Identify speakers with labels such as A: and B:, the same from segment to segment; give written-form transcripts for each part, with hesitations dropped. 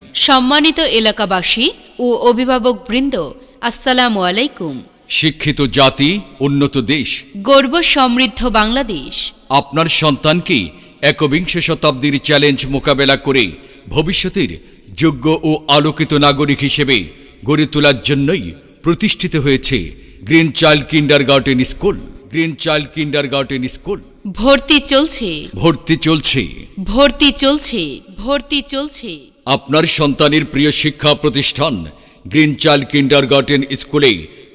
A: সম্মানিত এলাকাবাসী ও অভিভাবকবৃন্দ, আসসালামু আলাইকুম।
B: শিক্ষিত জাতি, উন্নত দেশ,
A: গর্ব সমৃদ্ধ বাংলাদেশ।
B: আপনার সন্তানকে একবিংশ শতাব্দীর চ্যালেঞ্জ মোকাবেলা করে ভবিষ্যতের যোগ্য ও আলোকিত নাগরিক হিসেবে গড়ে তোলার জন্যই প্রতিষ্ঠিত হয়েছে Green Child Kindergarten School. Green Child Kindergarten School.
A: ভর্তি চলছে,
B: ভর্তি চলছে,
A: ভর্তি চলছে, ভর্তি চলছে।
B: আপনার সন্তানের প্রিয় শিক্ষা প্রতিষ্ঠান গ্রিন চাইল্ড কিন্ডারগার্টেন স্কুলে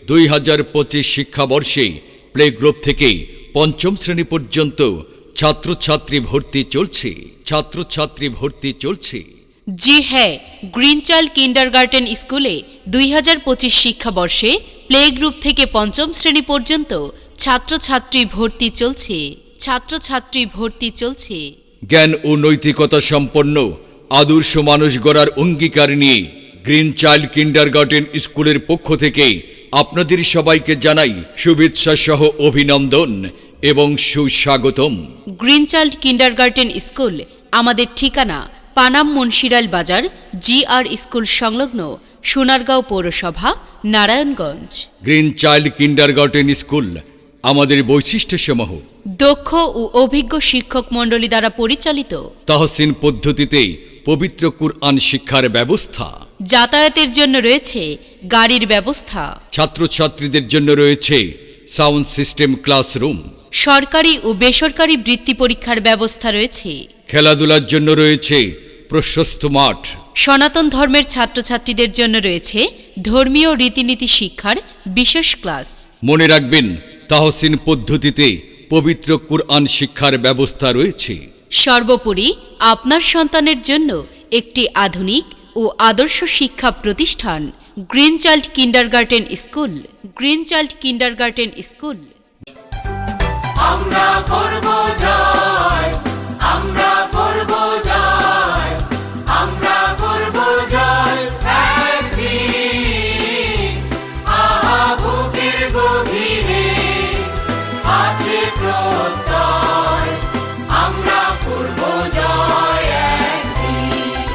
B: 2025 শিক্ষাবর্ষে প্লে গ্রুপ থেকে পঞ্চম শ্রেণী পর্যন্ত ছাত্রছাত্রী ভর্তি চলছে। ছাত্রছাত্রী ভর্তি চলছে।
A: জি হ্যাঁ, গ্রিন চাইল্ড কিন্ডারগার্টেন স্কুলে 2025 শিক্ষাবর্ষে প্লে গ্রুপ থেকে পঞ্চম শ্রেণী পর্যন্ত ছাত্রছাত্রী ভর্তি চলছে। ছাত্রছাত্রী ভর্তি চলছে।
B: জ্ঞান ও নৈতিকতা সম্পন্ন আদর্শ মানুষ গড়ার অঙ্গীকার নিয়ে গ্রিন চাইল্ড কিন্ডারগার্টেন স্কুলের পক্ষ থেকে আপনাদের সবাইকে জানাই শুভেচ্ছা সহ অভিনন্দন এবং সুস্বাগতম।
A: গ্রিন চাইল্ড কিন্ডারগার্টেন স্কুল আমাদের ঠিকানা পানাম মুন্সিরাল বাজার, GR স্কুল সংলগ্ন, সোনারগাঁও পৌরসভা, Narayanganj.
B: Green Child Kindergarten school আমাদের বৈশিষ্ট্যসমূহ:
A: দক্ষ ও অভিজ্ঞ শিক্ষক মণ্ডলী দ্বারা পরিচালিত,
B: তাহসিন পদ্ধতিতে পবিত্র কুরআন শিক্ষার ব্যবস্থা,
A: যাতায়াতের জন্য রয়েছে গাড়ির ব্যবস্থা,
B: ছাত্রছাত্রীদের জন্য রয়েছে সাউন্ড সিস্টেম ক্লাসরুম,
A: সরকারি ও বেসরকারি বৃত্তি পরীক্ষার ব্যবস্থা রয়েছে,
B: খেলাধুলার জন্য রয়েছে প্রশস্ত মাঠ,
A: সনাতন ধর্মের ছাত্রছাত্রীদের জন্য রয়েছে ধর্মীয় রীতিনীতি শিক্ষার বিশেষ ক্লাস।
B: মনে রাখবেন, তাহসিন পদ্ধতিতে পবিত্র কুরআন শিক্ষার ব্যবস্থা রয়েছে।
A: সর্বোপরি আপনার সন্তানের জন্য একটি আধুনিক ও আদর্শ শিক্ষা প্রতিষ্ঠান Green Child Kindergarten School. Green Child Kindergarten School.
C: আমরা করব জয়, আমরা করব জয়, আমরা করব জয় একদিন। আহা বুকের গভীরে আছে প্রত্যয়, আমরা করব জয় একদিন।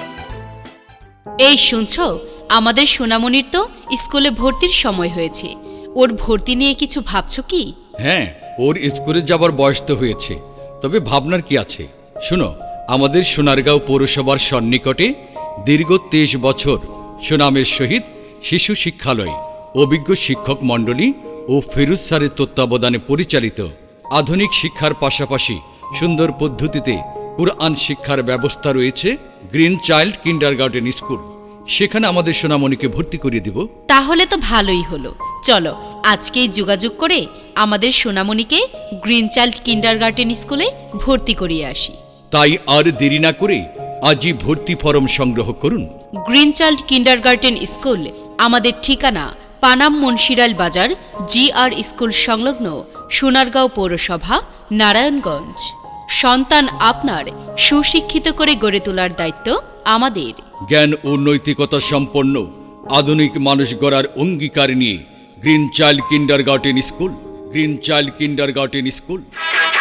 A: এই শুনছ, আমাদের সোনামণির তো স্কুলে ভর্তির সময় হয়েছে। ওর ভর্তি নিয়ে কিছু ভাবছো কি?
B: হ্যাঁ, ওর স্কুলে যাবার বয়স তো হয়েছে, তবে ভাবনার কি আছে? শুনো, আমাদের সোনারগাঁও পৌরসভার সন্নিকটে দীর্ঘ 23 বছর সুনামের সহিত শিশু শিক্ষালয়, অভিজ্ঞ শিক্ষক মণ্ডলী ও ফিরোজ স্যারের তত্ত্বাবধানে পরিচালিত আধুনিক শিক্ষার পাশাপাশি সুন্দর পদ্ধতিতে কুরআন শিক্ষার ব্যবস্থা রয়েছে গ্রিন চাইল্ড কিন্ডারগার্টেন স্কুল। সেখানে আমাদের সোনামণিকে ভর্তি করিয়ে দেব।
A: তাহলে তো ভালোই হলো। চলো আজকেই যোগাযোগ করে আমাদের সোনামণিকে গ্রিন চাইল্ড কিন্ডারগার্টেন স্কুলে ভর্তি করিয়ে আসি।
B: তাই আর দেরি না করে আজই ভর্তি ফরম সংগ্রহ করুন।
A: গ্রিন চাইল্ড কিন্ডারগার্টেন স্কুল আমাদের ঠিকানা পানাম মুন্সিরাল বাজার, GR স্কুল সংলগ্ন, সোনারগাঁও পৌরসভা, নারায়ণগঞ্জ। সন্তান আপনার সুশিক্ষিত করে গড়ে তোলার দায়িত্ব আমাদের।
B: জ্ঞান ও নৈতিকতা সম্পন্ন আধুনিক মানুষ গড়ার অঙ্গীকার নিয়ে Green Child Kindergarten School. Green Child Kindergarten school.